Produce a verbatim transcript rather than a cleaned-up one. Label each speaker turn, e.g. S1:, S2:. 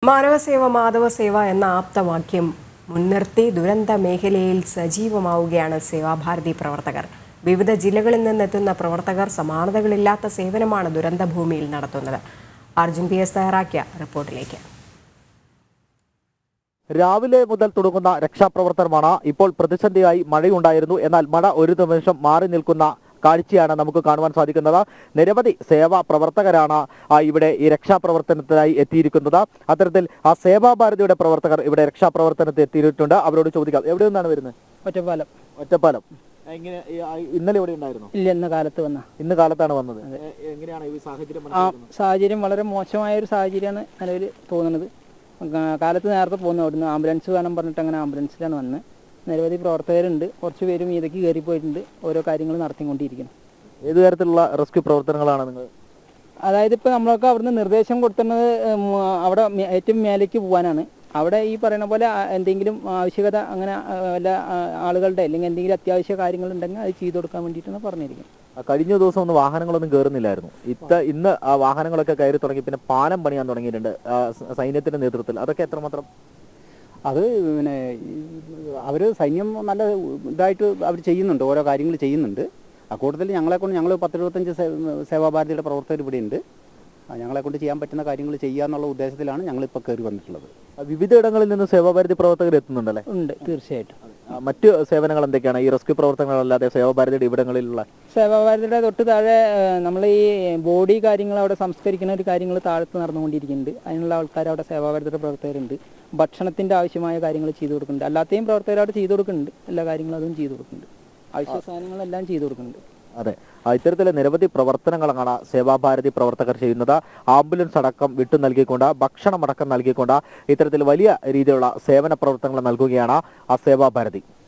S1: മാനവസേവ മാധവസേവ എന്ന ആപ്തവാക്യം മുൻനിർത്തി ദുരന്ത മേഖലയിൽ സജീവമാവുകയാണ് സേവാഭാരതി പ്രവർത്തകർ. വിവിധ ജില്ലകളിൽ നിന്നെത്തുന്ന പ്രവർത്തകർ സമാനതകളില്ലാത്ത സേവനമാണ് ദുരന്തഭൂമിയിൽ നടത്തുന്നത്. അർജുൻ പി എസ് തയ്യാറാക്കിയ റിപ്പോർട്ടിലേക്ക്.
S2: രാവിലെ മുതൽ തുടങ്ങുന്ന രക്ഷാപ്രവർത്തനമാണ്. ഇപ്പോൾ പ്രതിസന്ധിയായി മഴയുണ്ടായിരുന്നു. എന്നാൽ മഴ ഒരു നിമിഷം മാറി നിൽക്കുന്ന കാഴ്ചയാണ് നമുക്ക് കാണുവാൻ സാധിക്കുന്നത്. നിരവധി സേവാ പ്രവർത്തകരാണ് ഇവിടെ ഈ രക്ഷാപ്രവർത്തനത്തിനായി എത്തിയിരിക്കുന്നത്. അത്തരത്തിൽ ആ സേവാഭാരതിയുടെ പ്രവർത്തകർ ഇവിടെ രക്ഷാപ്രവർത്തനത്തിൽ എത്തിയിട്ടുണ്ട്. അവരോട് ചോദിക്കാം, എവിടെ നിന്നാണ് വരുന്നത്?
S3: ഒറ്റപ്പാലം.
S2: ഒറ്റപ്പാലം. എങ്ങനെ ഇന്നലെ എവിടെ ഉണ്ടായിരുന്നു?
S3: ഇല്ല, ഇന്ന് കാലത്ത് വന്ന
S2: ഇന്ന് കാലത്താണ് വന്നത്. എങ്ങനെയാണ് ഈ സാഹചര്യം?
S3: സാഹചര്യം വളരെ മോശമായ ഒരു സാഹചര്യമാണ് നിലവിൽ തോന്നുന്നത്. കാലത്ത് നേരത്തെ പോകുന്നു, അവിടുന്ന് ആംബുലൻസ് വേണം പറഞ്ഞിട്ട് അങ്ങനെ ആംബുലൻസിലാണ് വന്നത്. നിരവധി പ്രവർത്തകരുണ്ട്, കുറച്ച് പേരും ഇതൊക്കെ കയറിപ്പോയിട്ടുണ്ട്, ഓരോ കാര്യങ്ങൾ നടത്തിക്കൊണ്ടിരിക്കുന്നു.
S2: ഏത് തരത്തിലുള്ള റെസ്ക്യൂ പ്രവർത്തനങ്ങളാണ് നിങ്ങൾ?
S3: അതായത് ഇപ്പോൾ നമ്മളൊക്കെ അവിടുന്ന് നിർദ്ദേശം കൊടുക്കുന്നത് അവിടെ ഏറ്റവും മേലേക്ക് പോകാനാണ്. അവിടെ ഈ പറയുന്ന പോലെ എന്തെങ്കിലും ആവശ്യകത അങ്ങനെ വല്ല ആളുകളുടെ അല്ലെങ്കിൽ എന്തെങ്കിലും അത്യാവശ്യ കാര്യങ്ങളുണ്ടെങ്കിൽ അത് ചെയ്തു കൊടുക്കാൻ വേണ്ടിയിട്ടാണ് പറഞ്ഞിരിക്കുന്നത്.
S2: കഴിഞ്ഞ ദിവസം ഒന്നും വാഹനങ്ങളൊന്നും കയറുന്നില്ലായിരുന്നു. ഇത്ത ഇന്ന് ആ വാഹനങ്ങളൊക്കെ കയറി തുടങ്ങി. പിന്നെ പാലം പണിയാൻ തുടങ്ങിയിട്ടുണ്ട് സൈന്യത്തിന്റെ നേതൃത്വത്തിൽ. അതൊക്കെ എത്രമാത്രം?
S4: അത് പിന്നെ അവർ സൈന്യം നല്ല ഇതായിട്ട് അവർ ചെയ്യുന്നുണ്ട്, ഓരോ കാര്യങ്ങൾ ചെയ്യുന്നുണ്ട്. അക്കൂട്ടത്തിൽ ഞങ്ങളെക്കൊണ്ട് ഞങ്ങൾ പത്തിരുപത്തഞ്ച് സേവാഭാരതിയുടെ പ്രവർത്തകർ ഇവിടെയുണ്ട്. ഞങ്ങളെക്കൊണ്ട് ചെയ്യാൻ പറ്റുന്ന കാര്യങ്ങൾ ചെയ്യുക എന്നുള്ള ഉദ്ദേശത്തിലാണ് ഞങ്ങളിപ്പോൾ കയറി വന്നിട്ടുള്ളത്.
S2: വിവിധ ഇടങ്ങളിൽ നിന്ന് സേവാഭാരതി പ്രവർത്തകർ എത്തുന്നുണ്ടല്ലേ?
S3: ഉണ്ട്, തീർച്ചയായിട്ടും.
S2: മറ്റ് സേവനങ്ങൾ എന്തൊക്കെയാണ് ഈ റെസ്ക്യൂ പ്രവർത്തനങ്ങളല്ലാതെ സേവാഭാരതിയുടെ ഇവിടങ്ങളിലുള്ള?
S3: സേവാഭാരതിയുടെ തൊട്ട് താഴെ നമ്മൾ ഈ ബോഡി കാര്യങ്ങൾ അവിടെ സംസ്കരിക്കുന്ന ഒരു കാര്യങ്ങൾ താഴത്ത് നടന്നുകൊണ്ടിരിക്കുന്നുണ്ട്. അതിനുള്ള ആൾക്കാർ അവിടെ സേവാഭാരതിയുടെ പ്രവർത്തകരുണ്ട്. ഭക്ഷണത്തിന്റെ ആവശ്യമായ കാര്യങ്ങൾ ചെയ്തു കൊടുക്കുന്നുണ്ട്. അല്ലാത്തെയും പ്രവർത്തകർ അവിടെ ചെയ്തു കൊടുക്കുന്നുണ്ട്. എല്ലാ കാര്യങ്ങളും അതും ചെയ്തു കൊടുക്കുന്നുണ്ട്. ആവശ്യ സാധനങ്ങളെല്ലാം ചെയ്തു കൊടുക്കുന്നുണ്ട്.
S2: അതെ, ഇത്തരത്തിലെ നിരവധി പ്രവർത്തനങ്ങളാണ് സേവാഭാരതി പ്രവർത്തകർ ചെയ്യുന്നത്. ആംബുലൻസ് അടക്കം വിട്ടു നൽകിക്കൊണ്ട്, ഭക്ഷണം അടക്കം നൽകിക്കൊണ്ട് ഇത്തരത്തിൽ വലിയ രീതിയിലുള്ള സേവന പ്രവർത്തനങ്ങൾ നൽകുകയാണ് ആ സേവാഭാരതി.